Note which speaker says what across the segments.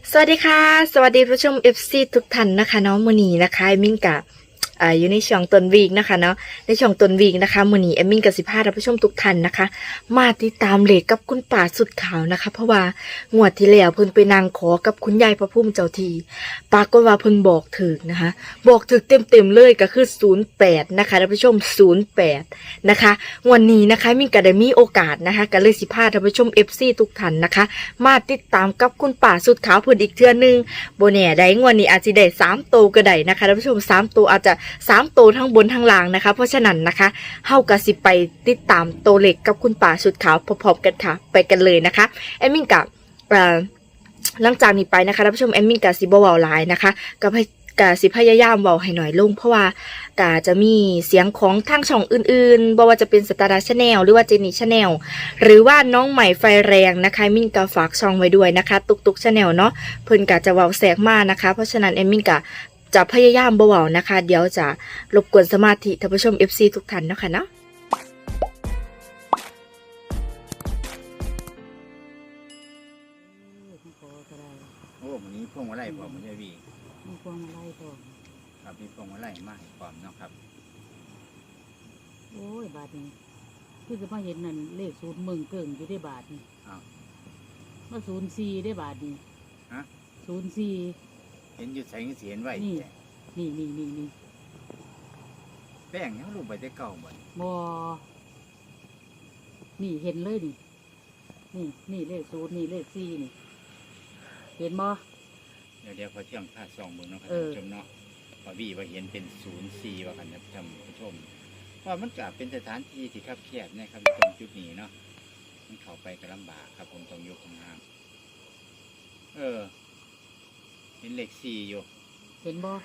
Speaker 1: สวัสดีค่ะสวัสดีผู้ชม FC ทุกท่านนะคะเนาะมื้อนี้นะคะเอมมินกับอยู่ในช่วงต้นวีคนะคะเนาะในช่วงต้นวีคนะคะมื้อนี้เอมมินกับสิพาท่านผู้ชมทุกท่านนะคะมาติดตามเลขกับคุณป่าสุดขาวนะคะเพราะว่างวดที่แล้วเพิ่นไปนางขอกับคุณยายพระพุ่มเจ้าที่ปรากฏว่าเพิ่นบอกถึกนะคะบอกถึกเต็มๆเลยก็คือ08นะคะท่านผู้ชม08นะคะวันนี้นะคะมินก็ได้มีโอกาสนะคะก็เลยสิพาท่านผู้ชม FC ทุกท่านนะคะมาติดตามกับคุณป่าสุดขาวเพิ่นอีกเทื่อนึง โบแน่ได้งวดนี้อาจจะได้3ตัวก็ได้นะคะท่านผู้ชม3ตัวอาจจะ3ตัวทั้งบนทั้งล่างนะคะเพราะฉะนั้นนะคะเฮาก็สิไปติดตามตัวเลขกับคุณป่าชุดขาวพร้อมๆกันค่ะไปกันเลยนะคะแอมมินกับหลังจากนี้ไปนะคะท่านผู้ชมแอมมินกับสิบ่เว้าหลายนะคะกะสิพยายามเว้าให้หน่อยลงเพราะว่ากะจะมีเสียงของทางช่องอื่นๆบ่ว่าจะเป็นสตาร์ชาแนลหรือว่าเจนี่ชาแนลหรือว่าน้องใหม่ไฟแรงนะคะมินก็ฝากช่องไว้ด้วยนะคะตุกชาแนลเนาะเพิ่นก็จะเว้าแทรกมานะคะเพราะฉะนั้นเอมมินก็จะพยายามบ่เว้านะคะเดี๋ยวจะรบกวนสมาธิท่านผู้ชม FC ทุกท่านเนาะค่ะเนาะ
Speaker 2: โอ้วันนี้พวงมาลัยพร้อมมันจะวี
Speaker 3: มีพวงมาลัยพร้อม
Speaker 2: ครับมีพวงมาลัยมาให้พร้อมเนาะครับ
Speaker 3: โอ้ยบาทนี้คือจะมาเห็นนั่นเลข0มึงเกิ่งอยู่ได้บาทนี่
Speaker 2: อ้าว
Speaker 3: มา04ได้บาทนี่
Speaker 2: ฮะ
Speaker 3: 04
Speaker 2: เห็นอยู่ใส่เสียนไว้
Speaker 3: นี่
Speaker 2: แต่
Speaker 3: นี่
Speaker 2: แป้งยังลงไปได้เก่าหมด
Speaker 3: บ่นี่เห็นเลยนี่เลข0นี่เลข4นี่เห็นบ่
Speaker 2: เดี๋ยวพอเที่ยงพาซองเบิ่งเนาะครับ
Speaker 3: เออ
Speaker 2: ท่านผู้ชมเนาะพอวีว่าเห็นเป็น04ว่ากันนะท่านผู้ชมว่ามันก็เป็นสถานที่ที่คับแคบนะครับตรงจุดนี้เนาะมันเข้าไปก็ลำบากครับผมต้องยกข้างเห็นเลข4อยู่
Speaker 3: เห็นบ่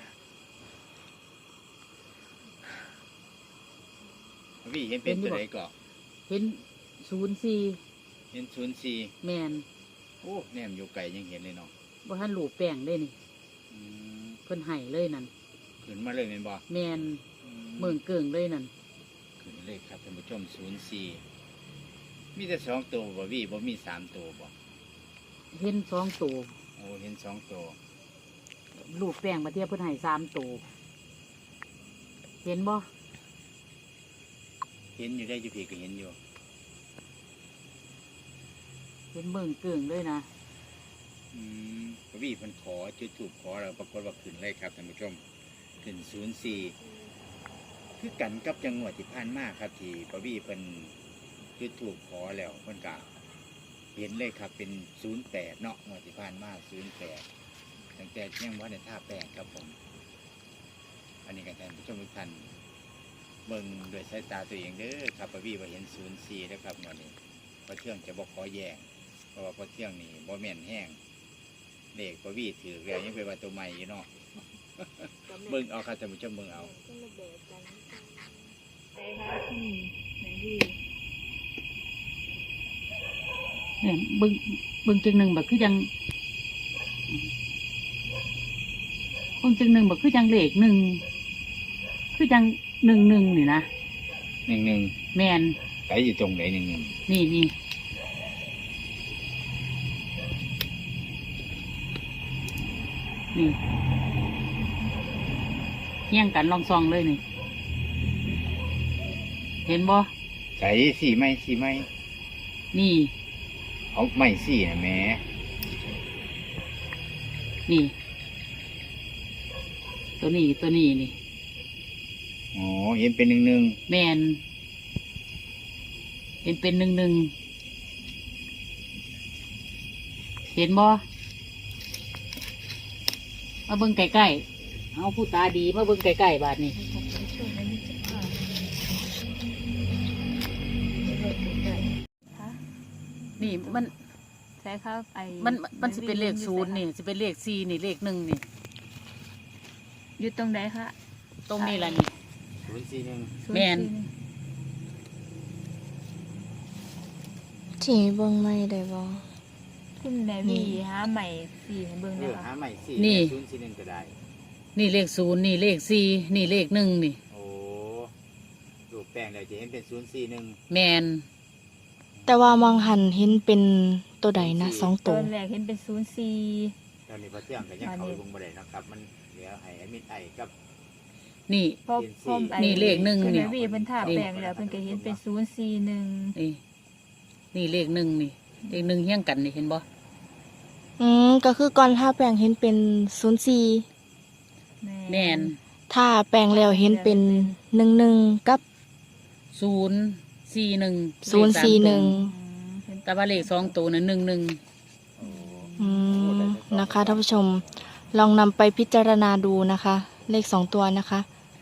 Speaker 2: พอวีเห็นเป็นตัวใดก็
Speaker 3: เห็น04
Speaker 2: เห็น04
Speaker 3: แม่น
Speaker 2: โอ้แนมอยู่ไกลยังเห็นเลยเนาะ
Speaker 3: บ่ทันรูปแป้งได้นี่
Speaker 2: อืม
Speaker 3: เพิ่นให้เลยนั่น
Speaker 2: ขึ้นมาเลยแม่นบ่
Speaker 3: แม่นเมืองเกิ่งเลยนั่น
Speaker 2: ขึ้นเลขครับท่านผู้ชม04มีแต่2ตัวบ่วีบ่มี3ตัวบ่
Speaker 3: เห็น2ตัว
Speaker 2: โอ้เห็น2ตัว
Speaker 3: รูปแป้งมาเทียบเพิ่นให้3ตัวเห็นบ่
Speaker 2: เห็นอยู่ได้อยู่พี่ก็เห็นอยู่
Speaker 3: เห็นเมืองเกิ่งเลยนะ
Speaker 2: บ่วีเพิ่นขอจุดธูปขอแล้วปรากฏว่าขึ้นเลยครับท่านผู้ชมขึ้น04คือกันกับจังหวัดที่ผ่านมาครับที่บ่วีเพิ่นจุดธูปขอแล้วเพิ่นก็เห็นเลยครับเป็น08เนาะงวดที่ผ่านมา08ตั้งแต่ยังบ่ได้ท่าแป้งครับผม อันนี้ก็ท่านผู้ชมทุกท่านเบิ่งด้วยสายตาตัวเองเด้อครับบ่วีว่าเห็น04นะครับงวดนี้พอเที่ยงจะบ่ขอแย้งเพราะว่าพอเที่ยงนี่บ่แม่นแห้งเลขบ่วีถือแล้วยังเป็นว่าตัวใหม่อยู่เนาะ เบิ่งเอาครับท่านผู้ชมเบิ่งเอา
Speaker 3: เนี่ยเบิ่งจังหนึ่งแบบคือจังเบิ่งจังหนึ่งแบบคือจังเลขหนึ่งคือจัง11นี่นะ
Speaker 2: 1
Speaker 3: แมน
Speaker 2: ๆไกอยู่ตรงไหน1
Speaker 3: นี่เที่ยงกันลองซองเลยนี่ เห็นบ่
Speaker 2: ๆไก่สี่ไม้
Speaker 3: นี่
Speaker 2: เอาไม้สี่นะแหม่
Speaker 3: นี่ ตัวนี้นี่
Speaker 2: อ๋อเห็นเป็น1
Speaker 3: แมนเห็นเป็น11เห็นบ่มาเบิ่งใกล้ๆเอาผู้ตาดีมาเบิ่งใกล้ๆบาดนี้นี่มัน
Speaker 4: ใช่ครับ
Speaker 3: มันสิเป็นเลข0นี่สิเป็นเลข4นี่เลข1นี่
Speaker 4: อยู่ตรงไหนคะ
Speaker 3: ตรงนี้ล่ะนี่
Speaker 2: 041
Speaker 3: แม่น
Speaker 1: ที่เบิ่งไม่ได้บ่
Speaker 4: คุณแม่มีหาใหม่สีให้เบิ่งได้
Speaker 2: หา
Speaker 4: ค่ะ
Speaker 2: ไม้สี่041ก็ได้
Speaker 3: นี่เลข0นี่เลข4นี่เลข1นี่
Speaker 2: โอ้รูปแป้งแล้วจะเห็นเป็น041
Speaker 3: แมน
Speaker 1: แต่ว่ามองหันเห็นเป็นตัวใดนะ2
Speaker 4: ต
Speaker 1: ตั
Speaker 4: อ
Speaker 1: วน
Speaker 4: แรกเห็นเป็น04
Speaker 2: ตอนนี้พอเที่ยงก็ยังเขาไปเบิ่งบ่ได้เนาะครับ มันเหลือให้แอดมินไอกับ
Speaker 3: นี่
Speaker 4: พอพอ
Speaker 3: นี่เลขหนึ่ง
Speaker 4: คุณ
Speaker 3: นี่
Speaker 4: แม่วีเพิ่นท่าแปลงแล้วเพิ่นก็เห็นเป็น041
Speaker 3: นี่นี่เลขหนึ่งนี่เลขหนึ่งเฮี้ยงกันนี่เห็นบ่
Speaker 1: ก็คือก่อนถ้าแปลงเห็นเป็น04
Speaker 3: แม่น
Speaker 1: ถ้าแปลงแล้วเห็นเป็น11กับ
Speaker 3: 041
Speaker 1: 041
Speaker 3: แต่ว่าเลขสองตัวนั้น11
Speaker 2: โอ้
Speaker 1: นะคะท่านผู้ชมลองนำไปพิจารณาดูนะคะ เลข2ตัวนะคะ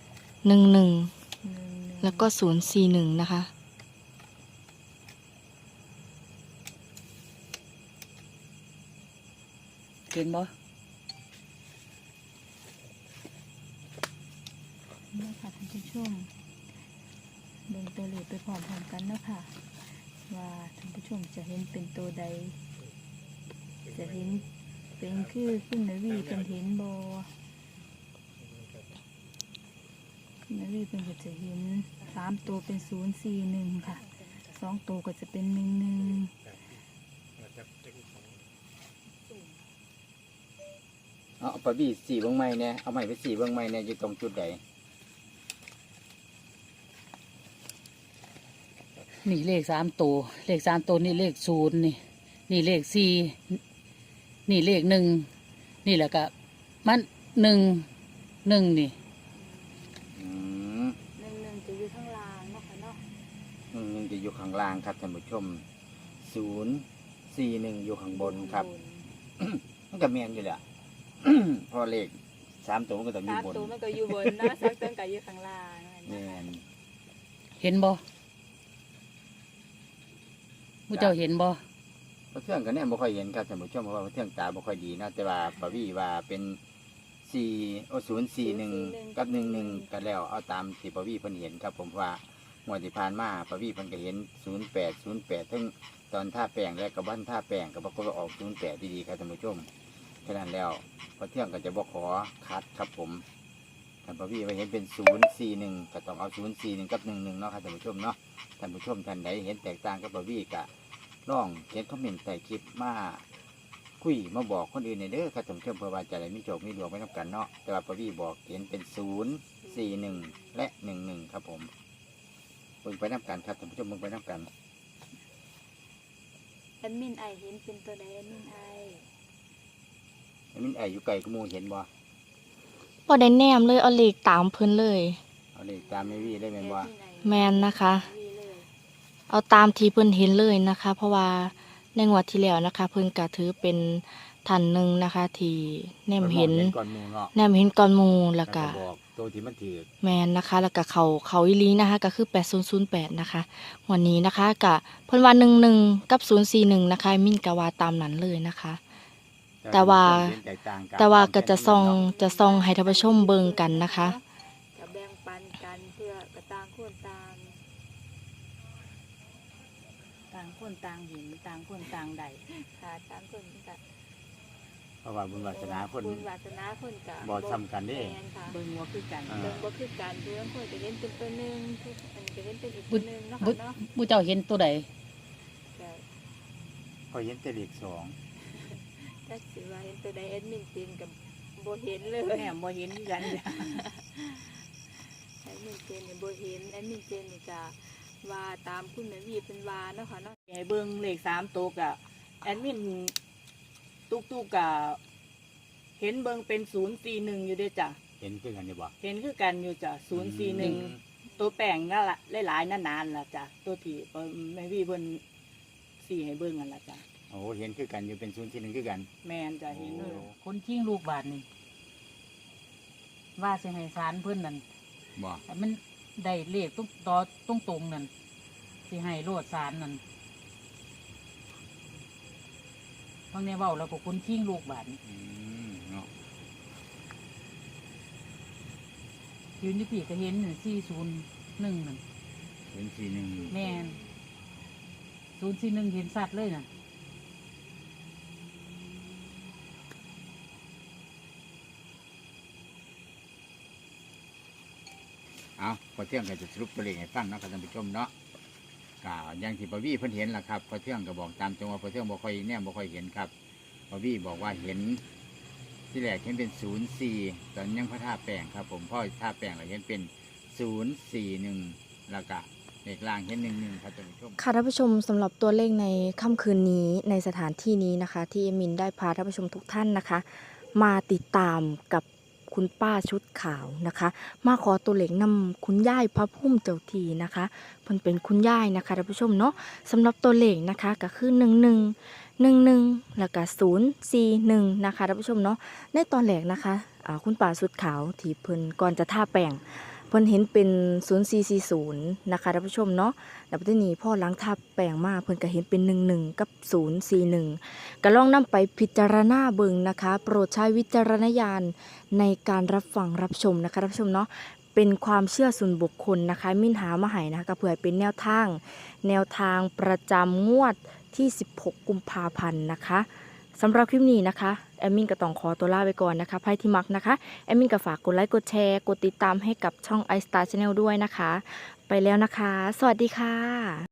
Speaker 1: 11แล้วก็041นะคะ
Speaker 3: เห็นบ่
Speaker 4: นี่ค่ะท่านผู้ชมเบิ่งตัวเลขไปพร้อมๆกันเนาะค่ะ ว่าท่านผู้ชมจะเห็นเป็นตัวใด จะเห็นเป็นคือคุณแม่วีเป็นเห็นบ่คุณแม่วีเป็นก็จะเห็น3ตัวเป็น041ค่ะ2ตัวก็จะเป็น11
Speaker 2: เอาปะบี้สีเบิ่งใหม่แน่เอาใหม่ไปสีเบิ่งใหม่แน่อยู่ตรงจุดใด
Speaker 3: นี่เลข3ตัวเลข3ตัวนี่เลข0นี่นี่เลข4นี่เลข1นี่แหละก็มัน1นี่
Speaker 2: อืม
Speaker 4: 11จะอยู่ข้างล่างเนาะค่ะเนาะ
Speaker 2: 1จะอยู่ข้างล่างครับท่านผู้ชม041อยู่ข้างบนครับ มันก็แม่นอยู่แหละ เพอเลข3ตัวมันก็ต้องอยู่บน
Speaker 4: ตัวมันก็อยู่บนเนาะ2ตัวก็อยู่ข้างล่าง
Speaker 2: แม่น
Speaker 3: เห็นบ่ผู้เจ้าเห็นบ่
Speaker 2: พระเทื่องก็แน่บ่ค่อยเห็นครับท่านผู้ชมเพราะว่าพระเทื่องตาบ่ค่อยดีนะแต่ว่าปะวี่ว่าเป็น041กับ11ก็แล้วเอาตามที่ปะวี่เพิ่นเห็นครับผมว่างวดที่ผ่านมาปะวี่เพิ่นก็เห็น08ทั้งตอนท่าแป้งและกับบ้านท่าแป้งก็ปรากฏว่าออก08ดีๆครับท่านผู้ชมฉะนั้นแล้วพระเทื่องก็จะบ่ขอคัดครับผมท่านปะวี่ว่าเห็นเป็น041ก็ต้องเอา041กับ11เนาะครับท่านผู้ชมเนาะท่านผู้ชมท่านใดเห็นแตกต่างกับปะวี่ก็ลองเขียนคอมเมนต์ใต้คลิปมาคุยมาบอกคนอื่นในเด้อครับท่านผู้ชมเพื่อว่าจะได้มีโชคมีดวงไม่ต้องกันเนาะแต่ว่าปะวี่บอกเห็นเป็น041และ11ครับผมเบิ่งไปน้ำกันครับท่านผู้ชมเบิ่งไปน้ำกัน
Speaker 4: แอดมินไอเห็นเป็นตัวใดแอดมินไอ
Speaker 2: ไอ้มินไออยู่ไกลก็หมูเห็นบ่
Speaker 1: บ่ได้แนมเลยเอาเลขตามเพิ่นเลย
Speaker 2: เอาเลขตามไม่วี่ได้แม่นบ่
Speaker 1: แมนนะคะ เอาตามที่เพิ่นเห็นเลยนะคะ เพราะว่าในงวดที่แล้วนะคะ เพิ่นก็ถือเป็นท่านหนึ่งนะคะ ที่แนมเห็น
Speaker 2: ก่อนหมูเนาะ
Speaker 1: แนมเห็นก่อนหมู่แล้วก็
Speaker 2: บอกตัวที่มันถือ
Speaker 1: แมนนะคะ แล้วก็เขาอีหลีนะคะ ก็คือ8008นะคะวันนี้นะคะก็เพิ่นว่า11กับ041นะคะมิ่นก็ว่าตามนั้นเลยนะคะ แต่ว่าก็จะส่องให้ท่านผู้ชมเบิ่งกันนะคะ
Speaker 4: จะแบ่งปันกันเพื่อกระต่างคนต่างเห็นต่างคนต่างใดค่ะต่างคนก็
Speaker 2: เพราะว่าบุญวาสนาคน
Speaker 4: บุญวาสนาคนก็
Speaker 2: บ่ซ้ำกันเด้
Speaker 4: แม่นค่ะ
Speaker 3: เบิ่งว่าคือกัน
Speaker 4: เบิ่งบ่คือกันเพื่อนคนจะเห็นเป็นตัวหนึงทุกอันก็เห็นเป็นอีกตัวหนึงเนาะค่ะเนาะ
Speaker 3: ผู้เจ้าเห็นตัวใด
Speaker 4: ก็
Speaker 2: พอเห็นแต่เลข2
Speaker 4: ถ้าสิว่าเห็นตัวใดแอดมินจริงกับบ่เห็นเลย
Speaker 3: แม่บ่เห็นกัน
Speaker 4: แอดมินเจนนี่บ่เห็นแอดมินเจนนี่ก็ว่าตามคุณแม่วีเป็นว่าเนาะค่ะเนาะ
Speaker 3: ให้เบิ่งเลข3ตัวกะแอดมินตุกกะเห็นเบิ่งเป็น041อยู่เด้อจ้ะ
Speaker 2: เห็นคือกันอยู่บ่
Speaker 3: เห็นคือกันอยู่จ้ะ041ตัวแป้งนั่นล่ะหลายๆนานๆล่ะจ้ะตัวที่แม่วีเพิ่นสีให้เบิ่งนั่นล่ะจ้ะ
Speaker 2: โอ้เห็นคือกันอยู่เป็น041คือกัน
Speaker 3: แม่นจ้ะเห็น
Speaker 2: โอ้
Speaker 3: คนชิงลูกบาทนี่ว่าสิให้ศาลเพิ่นนั่น
Speaker 2: บ่
Speaker 3: แต่มันได้เลขตรงนั่นสิให้โลดศาลนั่นบางในเว้าแล้วก็คนชิงลูกบาทนี่
Speaker 2: เนาะ
Speaker 3: ยืนอยู่ปีก็เห็น401นั่น
Speaker 2: เห็น41
Speaker 3: แม่น041เห็นสัตว์เลยน่ะ
Speaker 2: เอาพอเที่ยงก็จะสรุปตัวเลขให้ฟังเนาะครับท่านผู้ชมเนาะก็อย่างที่ปะวี่เพิ่นเห็นล่ะครับพอเที่ยงก็บอกตามจังว่าพอเที่ยงบ่ค่อยแนมบ่ค่อยเห็นครับปะวี่บอกว่าเห็นที่แรกเห็นเป็น04ตอนยังพระท่าแปลงครับผมพ่อท่าแปลงเราเห็นเป็น041แล้วก็เลขล่างเห็น11ครับท่านผู้ชม
Speaker 1: ค่ะท่านผู้ชมสำหรับตัวเลขในค่ำคืนนี้ในสถานที่นี้นะคะ ที่เอมินได้พาท่านผู้ชมทุกท่านนะคะ มาติดตามกับคุณป้าชุดขาวนะคะ มาขอตัวเลขนำคุณย่ายพระพุ่มเจ้าทีนะคะเพิ่นเป็นคุณย่ายนะคะท่านผู้ชมเนาะสำหรับตัวเลขนะคะก็คือ11แล้วก็041นะคะท่านผู้ชมเนาะในตอนแรกนะคะคุณป้าชุดขาวที่เพิ่นก่อนจะท่าแป้งเพิ่นเห็นเป็น0440นะคะท่านผู้ชมเนาะแล้วทีนี้พ่อล้างทับแปลงมาเพิ่นก็เห็นเป็น11กับ041ก็ลองนำไปพิจารณาเบิ่งนะคะ โปรดใช้วิจารณญาณในการรับฟังรับชมนะคะท่านผู้ชมเนาะเป็นความเชื่อส่วนบุคคลนะคะมิ้นหามาให้นะคะก็เผื่อเป็นแนวทางประจำงวดที่16กุมภาพันธ์นะคะสำหรับคลิปนี้นะคะแอมมินก็ต้องขอตัวลาไปก่อนนะคะไพ่ที่มักนะคะแอมมินก็ฝากกดไลค์กดแชร์กดติดตามให้กับช่อง iStar Channel ด้วยนะคะ ไปแล้วนะคะ สวัสดีค่ะ